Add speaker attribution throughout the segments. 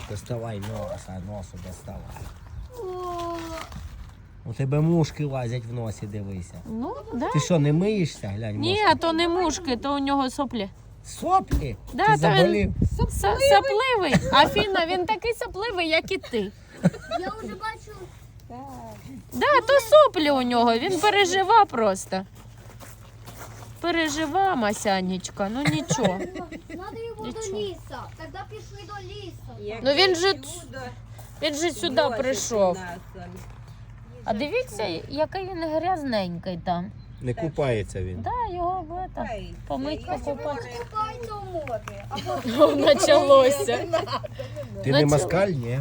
Speaker 1: Доставай носа, носу доставай.
Speaker 2: О,
Speaker 1: У тебе мушки лазять в носі, дивися.
Speaker 3: Ну, да.
Speaker 1: Ти що, не миєшся? Глянь,
Speaker 3: Ні,
Speaker 1: мошки.
Speaker 3: то не мушки, то у нього соплі.
Speaker 1: Соплі?
Speaker 3: Да,
Speaker 1: Ти
Speaker 3: то
Speaker 1: заболів?
Speaker 3: Сапливий. Афіна, він такий сапливий, як і ти.
Speaker 2: я вже бачу.
Speaker 3: Да, то соплі у нього, він пережива просто. Пережива, Масянечка, ну нічого.
Speaker 2: Надо його
Speaker 3: Нічого.
Speaker 2: до ліса. Тоді пішли до лісу.
Speaker 3: Ну він же сюди прийшов. А дивіться, який він грязненький там.
Speaker 1: Не купається він.
Speaker 3: Да, його помить, покупати.
Speaker 2: Купається у морі. Або
Speaker 3: Почалося.
Speaker 1: Ти
Speaker 3: Ну,
Speaker 1: не
Speaker 3: чого?
Speaker 1: москаль, ні?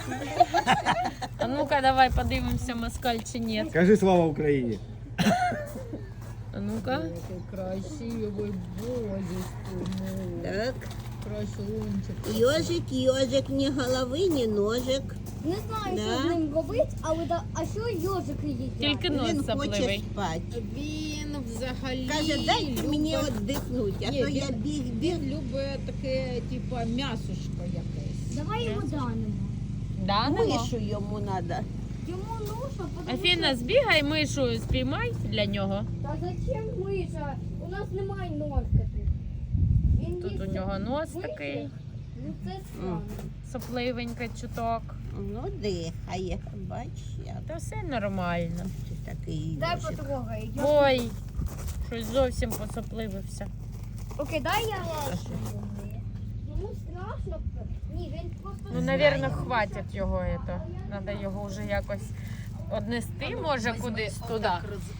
Speaker 3: А ну-ка, давай подивимося, москаль чи ні.
Speaker 1: Кажи слава Україні.
Speaker 3: А ну-ка.
Speaker 4: Красивый божечку.
Speaker 5: Так,
Speaker 4: Красунчик.
Speaker 5: ежик, ні голови, ні ножик.
Speaker 2: не знаю,
Speaker 5: Да.
Speaker 2: що з ним робити, але а що йожики їдять?
Speaker 3: Тільки
Speaker 5: Він
Speaker 3: нос
Speaker 5: хоче
Speaker 3: сапливий.
Speaker 5: спати.
Speaker 4: Він взагалі
Speaker 5: Каже, дайте мені
Speaker 4: любить-
Speaker 5: віддихнути, а
Speaker 4: Ні,
Speaker 5: то я
Speaker 4: він-
Speaker 5: біг.
Speaker 4: Він любить таке, типа, м'ясушко якесь.
Speaker 2: Давай його данимо.
Speaker 3: Да, нема?
Speaker 5: Мишу йому треба.
Speaker 2: Йому нужно, потому
Speaker 3: Афіна, збігай мишу, спіймай для нього.
Speaker 2: Та зачем миша? У нас немає ножки тут. Він
Speaker 3: Тут у
Speaker 2: їсть
Speaker 3: нього нос
Speaker 2: миші.
Speaker 3: такий,
Speaker 2: Ну це странно.
Speaker 3: сопливенький чуток.
Speaker 5: Ну, дихає, бач, я
Speaker 3: Та все нормально.
Speaker 5: такий
Speaker 2: Дай
Speaker 5: ежик.
Speaker 2: потрогай.
Speaker 3: Ой, щось зовсім посопливився.
Speaker 2: Окей, дай я лашу йому. Йому страшно. Ні, він просто...
Speaker 3: Ну, навірно, хватить його. Треба його вже якось однести, може, кудись туди.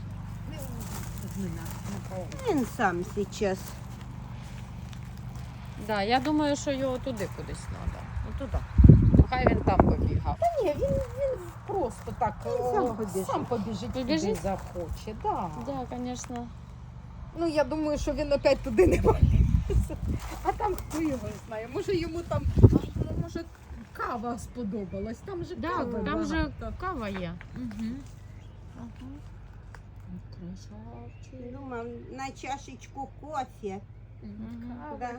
Speaker 5: Він сам зараз.
Speaker 3: Да, я думаю, що його туди кудись треба. Ну туди. Хай він там побігав.
Speaker 4: Ні, він просто так
Speaker 5: сам побіжить.
Speaker 4: куди захоче. Да.
Speaker 3: Да, звісно.
Speaker 4: Ну, я думаю, що він опять туди не полізе. А там хто його знає. Може йому там, може, кава сподобалась. Там же
Speaker 3: Да,
Speaker 4: кава
Speaker 3: там же
Speaker 4: багато.
Speaker 3: кава є.
Speaker 5: Думав, на чашечку кофе. Да.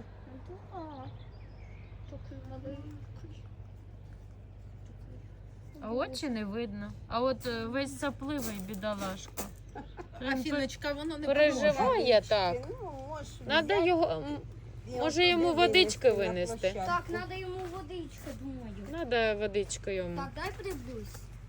Speaker 3: А очі не видно. А от весь сапливий бідолашка.
Speaker 4: Афіночка, воно не
Speaker 3: Переживає так.
Speaker 5: Ну, може,
Speaker 3: Надо
Speaker 5: взяти
Speaker 3: його,
Speaker 5: і
Speaker 3: може, йому
Speaker 5: туди
Speaker 3: водички
Speaker 5: на
Speaker 3: винести?
Speaker 5: площадку.
Speaker 2: Так, треба йому водичка, думаю.
Speaker 3: Надо водичку йому.
Speaker 2: Так, дай подивлюсь.